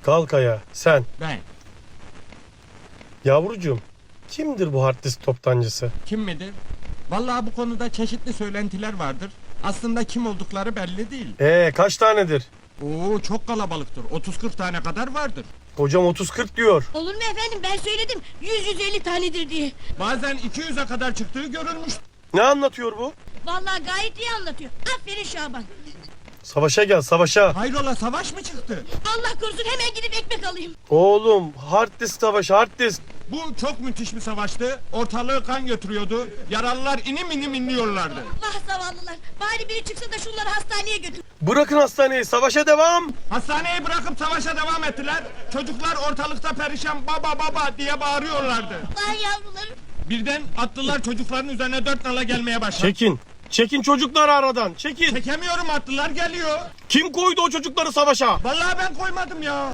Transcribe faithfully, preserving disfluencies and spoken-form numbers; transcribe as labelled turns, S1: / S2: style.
S1: Kalk ayağa sen.
S2: Ben.
S1: Yavrucuğum, kimdir bu hard disk toptancısı?
S2: Kim midir? Vallahi bu konuda çeşitli söylentiler vardır. Aslında kim oldukları belli değil.
S1: Ee kaç tanedir?
S2: Oo, çok kalabalıktır. otuz kırk tane kadar vardır.
S1: Hocam otuz kırk diyor.
S3: Olur mu efendim, ben söyledim yüz yüz elli tanedir diye.
S2: Bazen iki yüze kadar çıktığı görülmüş.
S1: Ne anlatıyor bu?
S3: Vallahi gayet iyi anlatıyor. Aferin Şaban.
S1: Savaşa gel, savaşa.
S2: Hayrola, savaş mı çıktı?
S3: Allah korusun, hemen gidip ekmek alayım.
S1: Oğlum, hard disk savaşı, hard disk.
S2: Bu çok müthiş bir savaştı. Ortalığı kan götürüyordu. Yaralılar inim inim inliyorlardı.
S3: Vah zavallılar. Bari biri çıksa da şunları hastaneye götür.
S1: Bırakın hastaneyi, savaşa devam.
S2: Hastaneyi bırakıp savaşa devam ettiler. Çocuklar ortalıkta perişan baba baba diye bağırıyorlardı.
S3: Vay yavrularım.
S2: Birden atlılar çocukların üzerine dört nala gelmeye başladı.
S1: Çekin, çekin çocukları aradan, çekin.
S2: Çekemiyorum, atlılar geliyor.
S1: Kim koydu o çocukları savaşa?
S2: Vallahi ben koymadım ya.